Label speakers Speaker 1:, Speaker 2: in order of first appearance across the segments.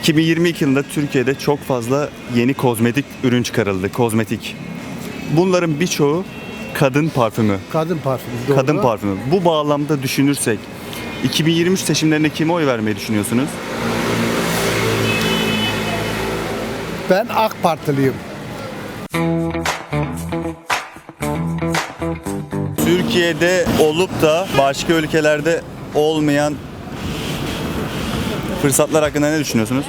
Speaker 1: 2022 yılında Türkiye'de çok fazla yeni kozmetik ürün çıkarıldı. Kozmetik. Bunların birçoğu kadın parfümü.
Speaker 2: Kadın parfümü. Doğru.
Speaker 1: Kadın parfümü. Bu bağlamda düşünürsek 2023 seçimlerinde kime oy vermeyi düşünüyorsunuz?
Speaker 2: Ben AK Partiliyim.
Speaker 1: Türkiye'de olup da başka ülkelerde olmayan fırsatlar hakkında ne düşünüyorsunuz?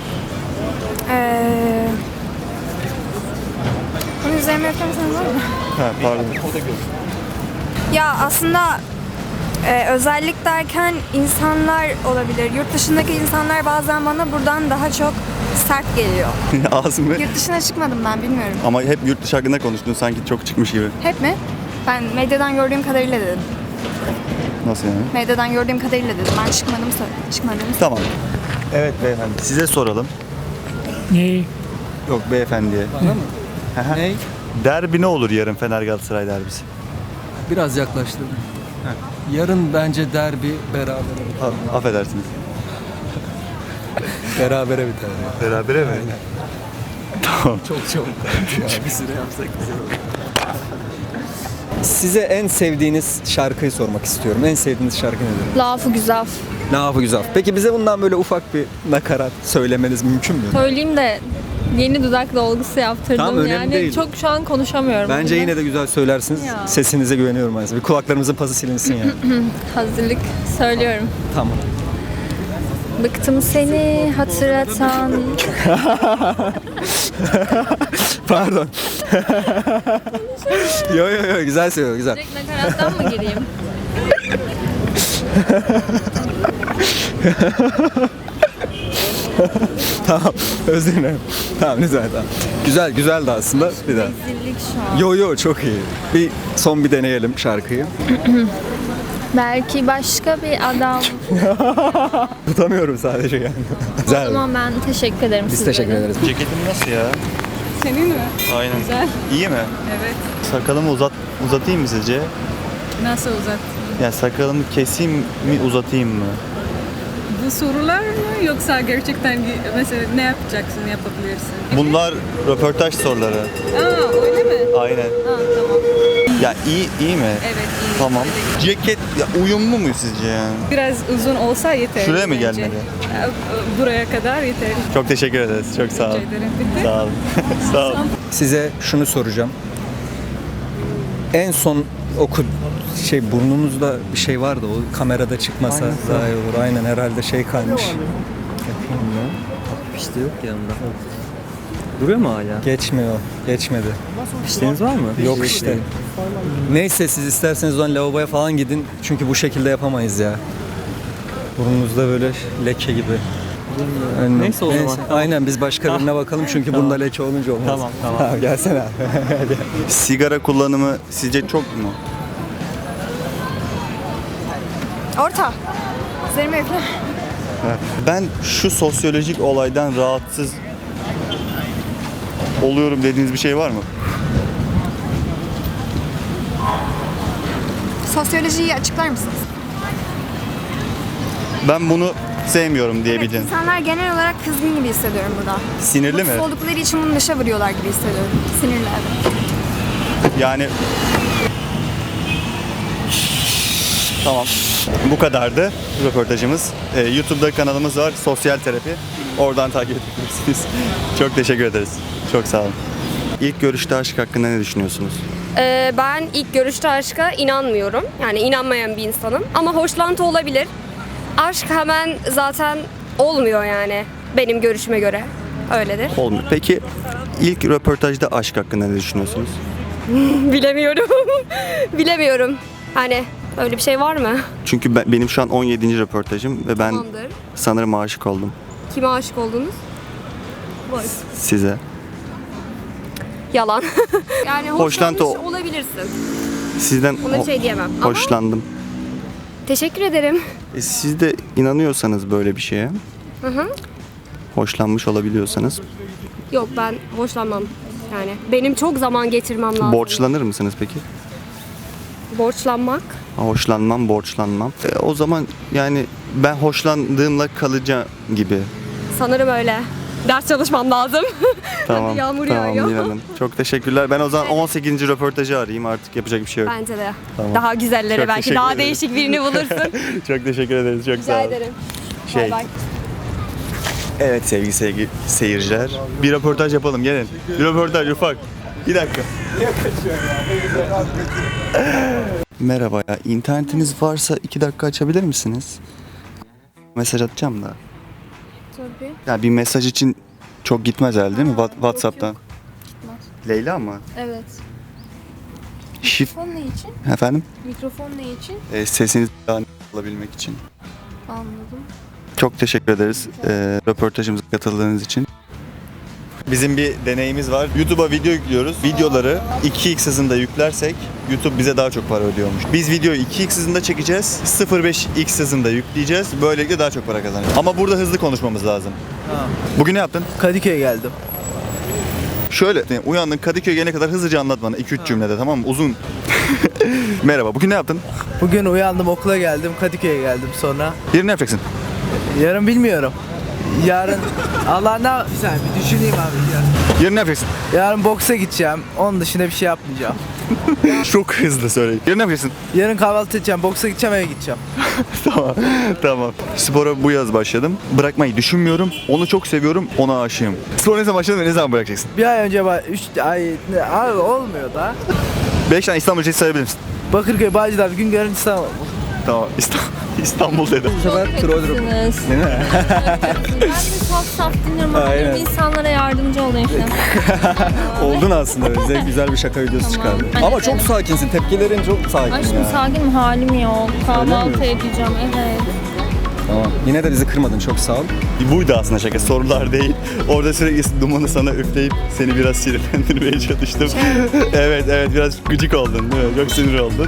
Speaker 3: Bunun üzerine yaparsanız var mı?
Speaker 1: Ha, pardon.
Speaker 3: Ya aslında özellik derken insanlar olabilir. Yurt dışındaki insanlar bazen bana buradan daha çok sert geliyor.
Speaker 1: Az mı?
Speaker 3: Yurt dışına çıkmadım ben, bilmiyorum.
Speaker 1: Ama hep yurt dışı hakkında konuştun, sanki çok çıkmış gibi.
Speaker 3: Hep mi? Ben medyadan gördüğüm kadarıyla dedim.
Speaker 1: Nasıl yani?
Speaker 3: Medyadan gördüğüm kadarıyla dedim. Ben çıkmadım.
Speaker 1: Tamam. Evet beyefendi. Size soralım.
Speaker 4: Neyi?
Speaker 1: Yok beyefendiye.
Speaker 5: Bana mı?
Speaker 1: Aha.
Speaker 5: Ney?
Speaker 1: Derbi ne olur yarın, Fener Galatasaray derbisi?
Speaker 5: Biraz yaklaştırdım. Yarın bence derbi berabere.
Speaker 1: Affedersiniz.
Speaker 5: Berabere biter. Ya.
Speaker 1: Berabere mi? Tamam.
Speaker 5: Çok çabuk. Bir süre yapsak güzel olur.
Speaker 6: Size en sevdiğiniz şarkıyı sormak istiyorum. En sevdiğiniz şarkı nedir?
Speaker 7: Lafı güzel.
Speaker 6: Ne yapı güzel. Peki bize bundan böyle ufak bir nakarat söylemeniz mümkün mü?
Speaker 7: Söyleyeyim de yeni dudak dolgusu yaptırdım.
Speaker 6: Tamam, önemli
Speaker 7: yani
Speaker 6: değil.
Speaker 7: çok şu an konuşamıyorum.
Speaker 6: Bence
Speaker 7: bile.
Speaker 6: yine de güzel söylersiniz.
Speaker 7: Ya.
Speaker 6: Sesinize güveniyorum aslında. Bir kulaklarımızın pası silinsin yani.
Speaker 7: Hazırlık söylüyorum.
Speaker 6: Tamam.
Speaker 7: Bıktım seni hatırlatan.
Speaker 6: Pardon. Yo güzel söylüyor güzel.
Speaker 7: Direkt nakarattan mı gireyim?
Speaker 6: Tamam. Özür dilerim. Tamam lütfen tamam. Güzeldi aslında. Bir daha.
Speaker 7: Rezillik şu an.
Speaker 6: Yo çok iyi. Son bir deneyelim şarkıyı.
Speaker 7: Belki başka bir adam.
Speaker 6: Tutamıyorum sadece yani.
Speaker 7: O
Speaker 6: Güzel.
Speaker 7: zaman ben teşekkür ederim
Speaker 6: Biz
Speaker 7: sizlere.
Speaker 6: teşekkür ederiz.
Speaker 1: Ceketim nasıl ya?
Speaker 8: Senin mi?
Speaker 1: Aynen.
Speaker 8: Güzel.
Speaker 1: İyi mi?
Speaker 8: Evet.
Speaker 1: Sakalımı uzatayım mı sizce?
Speaker 8: Nasıl uzat?
Speaker 1: Ya sakalımı keseyim mi, uzatayım mı?
Speaker 8: Bu sorular mı yoksa gerçekten mesela ne yapacaksın, yapabilirsin?
Speaker 1: Bunlar röportaj soruları.
Speaker 8: Aa öyle mi?
Speaker 1: Aynen.
Speaker 8: Aa tamam.
Speaker 1: Ya iyi mi?
Speaker 8: Evet iyi.
Speaker 1: Tamam.
Speaker 8: Öyle.
Speaker 1: Ceket ya, uyumlu mu sizce yani?
Speaker 8: Biraz uzun olsa yeter.
Speaker 1: Şuraya mı
Speaker 8: bence.
Speaker 1: gelmeli?
Speaker 8: Buraya kadar yeter.
Speaker 1: Çok teşekkür ederiz. Çok sağ olun.
Speaker 8: Rica ederim. Bitti.
Speaker 1: Sağ olun. Sağ olun.
Speaker 6: Size şunu soracağım. En son burnunuzda bir şey vardı, o kamerada çıkmasa daha iyi olur. Aynen herhalde kalmış. Yapayım mı?
Speaker 9: İşte yok yanında. Duruyor mu hala?
Speaker 6: Geçmedi.
Speaker 9: İşleriniz var mı?
Speaker 6: Yok işte. Neyse siz isterseniz o zaman lavaboya falan gidin. Çünkü bu şekilde yapamayız ya. Burnunuzda böyle leke gibi. Aynen.
Speaker 9: Neyse o zaman.
Speaker 6: Aynen biz başka birine bakalım çünkü bunda leke olunca olmaz.
Speaker 9: Tamam.
Speaker 6: Gelsene abi.
Speaker 1: Sigara kullanımı sizce çok mu?
Speaker 3: Orta. Üzerime üfle.
Speaker 1: Ben şu sosyolojik olaydan rahatsız oluyorum dediğiniz bir şey var mı?
Speaker 3: Sosyolojiyi açıklar mısınız?
Speaker 1: Ben bunu sevmiyorum
Speaker 3: Evet,
Speaker 1: diyebilirim.
Speaker 3: insanlar genel olarak kızgın gibi hissediyorum burada.
Speaker 1: Sinirli mi?
Speaker 3: Mutsuz oldukları için bunu dışa vuruyorlar gibi hissediyorum. Sinirli evet.
Speaker 1: Yani tamam. Bu kadardı röportajımız. YouTube'da kanalımız var. Sosyal Terapi. Oradan takip edebilirsiniz. Çok teşekkür ederiz. Çok sağ olun. İlk görüşte aşk hakkında ne düşünüyorsunuz?
Speaker 10: Ben ilk görüşte aşka inanmıyorum. Yani inanmayan bir insanım. Ama hoşlantı olabilir. Aşk hemen zaten olmuyor yani benim görüşüme göre. Öyledir.
Speaker 1: Olmuyor. Peki ilk röportajda aşk hakkında ne düşünüyorsunuz?
Speaker 10: Bilemiyorum. Bilemiyorum. Hani öyle bir şey var mı?
Speaker 1: Çünkü benim şu an 17. röportajım ve ben
Speaker 10: Tamamdır.
Speaker 1: sanırım aşık oldum
Speaker 10: Kime aşık oldunuz?
Speaker 1: size.
Speaker 10: Yalan. Yani
Speaker 1: Hoşlantı
Speaker 10: hoşlanmış olabilirsin.
Speaker 1: Sizden
Speaker 10: Ona bir şey diyemem. Ama
Speaker 1: hoşlandım.
Speaker 10: teşekkür ederim.
Speaker 1: Siz de inanıyorsanız böyle bir şeye,
Speaker 10: Hı.
Speaker 1: hoşlanmış olabiliyorsanız
Speaker 10: Yok ben hoşlanmam. Yani benim çok zaman geçirmem lazım.
Speaker 1: borçlanır mısınız peki?
Speaker 10: Borçlanmak.
Speaker 1: Borçlanmam. O zaman yani ben hoşlandığımla kalacağım gibi.
Speaker 10: Sanırım öyle. Ders çalışmam lazım.
Speaker 1: Tamam.
Speaker 10: Yağmur
Speaker 1: tamam
Speaker 10: yağıyor.
Speaker 1: Nil Hanım. Çok teşekkürler. Ben o zaman 18. röportajı arayayım. Artık yapacak bir şey yok.
Speaker 10: Bence de.
Speaker 1: Tamam.
Speaker 10: Daha güzelleri
Speaker 1: Çok
Speaker 10: belki
Speaker 1: teşekkür
Speaker 10: daha
Speaker 1: ederim.
Speaker 10: değişik birini bulursun.
Speaker 1: Çok teşekkür ederiz. Çok sağ
Speaker 10: Rica
Speaker 1: olun.
Speaker 10: ederim.
Speaker 1: Şey,
Speaker 10: Bay bay.
Speaker 1: evet sevgili seyirciler. Bir röportaj yapalım gelin. Bir röportaj ufak. Bir dakika. Merhaba ya. İnternetiniz varsa 2 dakika açabilir misiniz? Mesaj atacağım da.
Speaker 7: Tabii.
Speaker 1: Ya bir mesaj için çok gitmez herhalde değil mi? WhatsApp'tan.
Speaker 7: Gitmez.
Speaker 1: Leyla mı?
Speaker 7: Evet.
Speaker 1: Şif...
Speaker 7: Mikrofon ne için?
Speaker 1: Efendim?
Speaker 7: Mikrofon ne için?
Speaker 1: Sesinizi daha net alabilmek için.
Speaker 7: Anladım.
Speaker 1: Çok teşekkür ederiz röportajımıza katıldığınız için. Bizim bir deneyimiz var. YouTube'a video yüklüyoruz. Videoları 2x hızında yüklersek YouTube bize daha çok para ödüyormuş. Biz videoyu 2x hızında çekeceğiz. 0.5x hızında yükleyeceğiz. Böylelikle daha çok para kazanacağız. Ama burada hızlı konuşmamız lazım. Bugün ne yaptın?
Speaker 4: Kadıköy'e geldim.
Speaker 1: Şöyle uyandın Kadıköy'e gelene kadar hızlıca anlat bana 2-3 cümlede tamam mı? Uzun. Merhaba. Bugün ne yaptın?
Speaker 4: Bugün uyandım, okula geldim, Kadıköy'e geldim sonra.
Speaker 1: Yarın ne yapacaksın?
Speaker 4: Yarın bilmiyorum. Yarın Allah ne bir saniye bir düşüneyim abi ya.
Speaker 1: Yarın ne yapacaksın?
Speaker 4: Yarın boksa gideceğim. Onun dışında bir şey yapmayacağım.
Speaker 1: Çok hızlı söyle. Yarın ne yapacaksın?
Speaker 4: Yarın kahvaltı edeceğim, boksa gideceğim, eve gideceğim.
Speaker 1: Tamam. Tamam. Spora bu yaz başladım. Bırakmayı düşünmüyorum. Onu çok seviyorum. Ona aşığım. Spor ne zaman başladın ve ne zaman bırakacaksın?
Speaker 4: Bir ay önce 3 ay abi olmuyor da.
Speaker 1: 5 tane İstanbul ilçesi sayabilir misin?
Speaker 4: Bakırköy, Bağcılar, Güngören, İstanbul.
Speaker 1: Tamam. İstanbul dedim.
Speaker 6: Bu sefer troll
Speaker 7: Değil mi? Ben de saf saf dinliyorum ama
Speaker 6: Aynen.
Speaker 7: benim insanlara yardımcı olayım falan.
Speaker 6: Oldun aslında. Bize güzel bir şaka videosu
Speaker 7: Tamam.
Speaker 6: çıkardın.
Speaker 7: Hadi
Speaker 6: Ama çok
Speaker 7: gidelim.
Speaker 6: sakinsin. Tepkilerin çok sakin
Speaker 7: Aşkım
Speaker 6: ya.
Speaker 7: sakin mi? Halim yok. Kahvaltı
Speaker 6: mi?
Speaker 7: edeceğim. Evet.
Speaker 6: Tamam. Yine de bizi kırmadın. Çok sağ ol.
Speaker 1: Buydu aslında şaka. Sorular değil. Orada sürekli dumanı sana üfleyip seni biraz sinirlendirmeye çalıştım. Evet biraz gıcık oldun değil mi? Çok sinir oldun.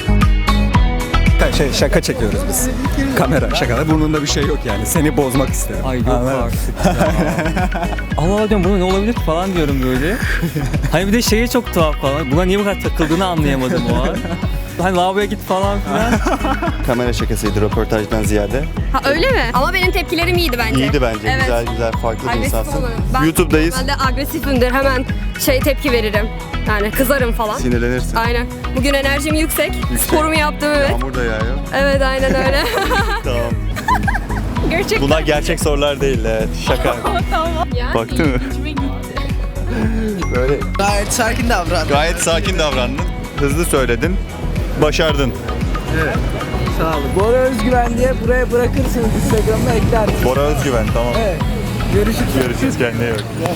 Speaker 6: Şaka çekiyoruz biz. Kamera şaka. Burnunda bir şey yok yani. Seni bozmak istedim.
Speaker 9: Ay yok
Speaker 6: Anladın mı?
Speaker 9: artık ya. Allah Allah diyorum buna ne olabilir ki falan diyorum böyle. Hani bir de şeye çok tuhaf falan. Buna niye bu kadar takıldığını anlayamadım o an. Hani lavaboya git falan filan.
Speaker 1: Kamera şakasıydı röportajdan ziyade.
Speaker 10: Ha öyle mi? Ama benim tepkilerim iyiydi bence.
Speaker 1: İyiydi bence.
Speaker 10: Evet.
Speaker 1: Güzel farklı bir
Speaker 10: Agresif
Speaker 1: insansın.
Speaker 10: olurum. Ben
Speaker 1: YouTube'dayız.
Speaker 10: Ben de agresifimdir. Hemen tepki veririm. Yani kızarım falan.
Speaker 1: Sinirlenirsin.
Speaker 10: Aynen. Bugün enerjim yüksek. Sporumu yaptım evet.
Speaker 1: Yağmur da yağıyor.
Speaker 10: Evet aynen öyle.
Speaker 1: Tamam.
Speaker 10: Gerçek.
Speaker 1: Bunlar gerçek sorular değil. Evet. Şaka.
Speaker 10: Yani
Speaker 1: Baktın mı? Böyle
Speaker 4: Gayet sakin davran.
Speaker 1: gayet sakin davrandın. Hızlı söyledin. Başardın.
Speaker 4: Sağ olun. Bora Özgüven diye buraya bırakırsınız, Instagram'da eklersiniz.
Speaker 1: Bora Özgüven tamam.
Speaker 4: Evet. Görüşürüz.
Speaker 1: Görüşürüz kendine iyi bak.